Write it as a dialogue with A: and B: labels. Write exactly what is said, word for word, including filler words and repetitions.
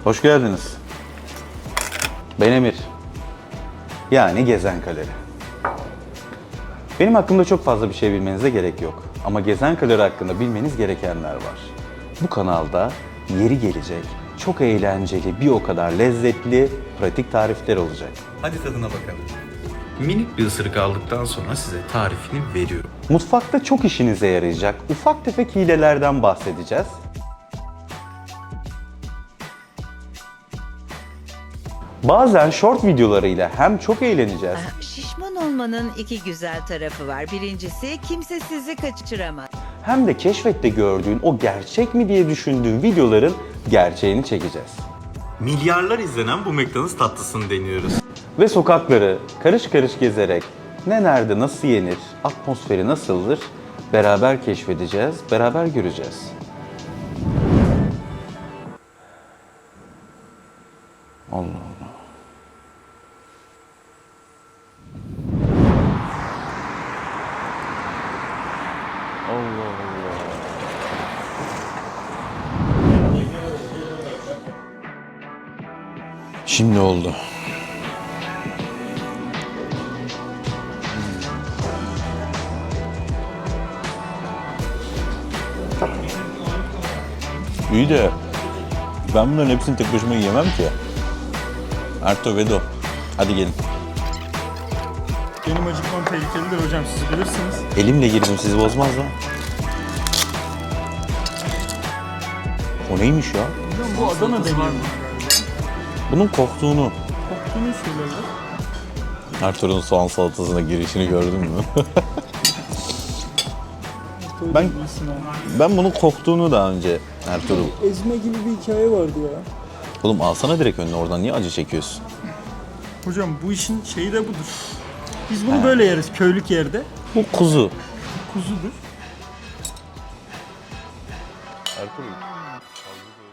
A: Hoş geldiniz. Ben Emir. Yani Gezen Kalori. Benim hakkımda çok fazla bir şey bilmenize gerek yok. Ama Gezen Kalori hakkında bilmeniz gerekenler var. Bu kanalda yeri gelecek, çok eğlenceli, bir o kadar lezzetli, pratik tarifler olacak. Hadi tadına bakalım.
B: Minik bir ısırık aldıktan sonra size tarifini veriyorum.
A: Mutfakta çok işinize yarayacak ufak tefek hilelerden bahsedeceğiz. Bazen short videolarıyla hem çok eğleneceğiz
C: Şişman olmanın iki güzel tarafı var. Birincisi kimse sizi kaçıramaz.
A: hem de keşfette gördüğün o gerçek mi diye düşündüğün videoların gerçeğini çekeceğiz.
B: Milyarlar izlenen bu McDonald's tatlısını deniyoruz.
A: Ve sokakları karış karış gezerek ne nerede nasıl yenir, atmosferi nasıldır beraber keşfedeceğiz, beraber göreceğiz. Allah Allah. Allah Allah.
B: Şimdi oldu.
D: İyi de ben bunların hepsini tek başıma yiyemem ki. Arto Vedo. Hadi gelin.
E: Benim acıkmam tehlikelidir hocam, siz bilirsiniz.
D: Elimle girdim, sizi bozmaz lan. O neymiş ya?
E: Hocam bu Adana deniyor.
D: Bunun koktuğunu.
E: Koktuğunu söylerler.
D: Arto'nun soğan salatasına girişini gördün mü? Ben- Ben bunun koktuğunu daha önce Ertuğrul.
E: Ezme gibi bir hikaye vardı ya.
D: Oğlum alsana direkt önüne, oradan niye acı çekiyorsun?
E: Hocam bu işin şeyi de budur. Biz bunu böyle yeriz köylük yerde.
D: Bu kuzu.
E: Kuzudur.
D: Ertuğrul.